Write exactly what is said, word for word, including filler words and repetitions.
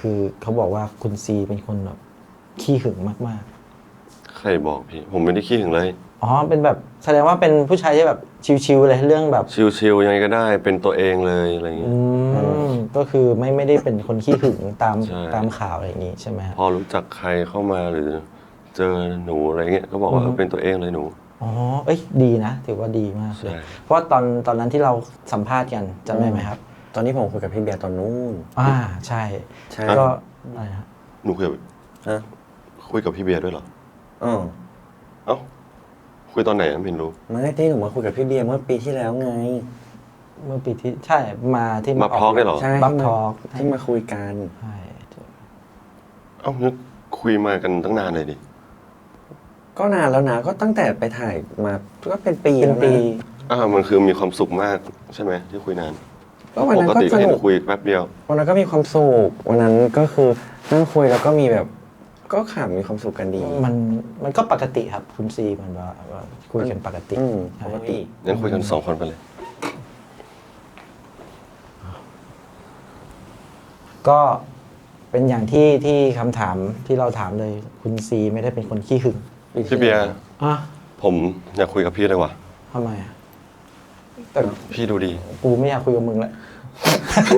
คือเขาบอกว่าคุณซีเป็นคนแบบขี้หึงมากใครบอกพี่ผมไม่ได้ขี้ถึงเลยๆอ๋อเป็นแบบแสดงว่าเป็นผู้ชายที่แบบชิวๆเลยเรื่องแบบชิลๆยังไงก็ได้เป็นตัวเองเลยอะไรอย่างเงี้อืยมก็คือไม่ไม่ได้เป็นคนขี้หึงตามใช่ตามข่าวอะไรอย่างงี้ใช่ไหมฮะพอรู้จักใครเข้ามาหรือเจอหนูอะไรเงี้ยก็บอกว่าอือฮึเออเป็นตัวเองเลยหนูอ๋อเอ้ยดีนะถือว่าดีมากเลยใช่เพราะว่าตอนตอนนั้นที่เราสัมภาษณ์กันจำได้ไหมครับตอนนี้ผมคุยกับพี่เบียร์ตอนนู้นอ่าใช่ใช่ก็อะไรฮะหนูคุยกับฮะคุยกับพี่เบียร์ด้วยเหรออ๋อเอ้าคุยตอนไหนไม่รู้ไม่ที่หนูมาคุยกับพี่เบียร์เมื่อปีที่แล้วไงเมื่อปีที่ใช่มาที่มาพอกได้เหรอใช่บัฟที่ทมาอกที่มาคุยกันใช่เอ้านึกคุยมากันตั้งนานเลยดิก็นานแล้วนะก็ตั้งแต่ไปถ่ายมาก็เป็นปีเป็นแล้วปีนะอ่ามันคือมีความสุขมากใช่ไหมที่คุยนานก็วันนั้นปกก็ติสก็เห็นุนกคุยแป๊บเดียววันนั้นก็มีความสุขวันนั้นก็คือนั่งคุยแล้วก็มีแบบ ก็ขำมีความสุขกันดีมันมันก็ปกติครับคุณซีมันว่าว่าคุยกันปกติอืมใช่ปกติงั้นคุยกันสองคนไปเลยก็เป็นอย่างที่ที่คำถามที่เราถามเลยคุณซีไม่ได้เป็นคนขี้หึงพี่เบียร์อ่ะผมอยากคุยกับพี่เลยว่ะทำไมอ่ะแต่พี่ดูดีกูไม่อยากคุยกับมึงแล้ว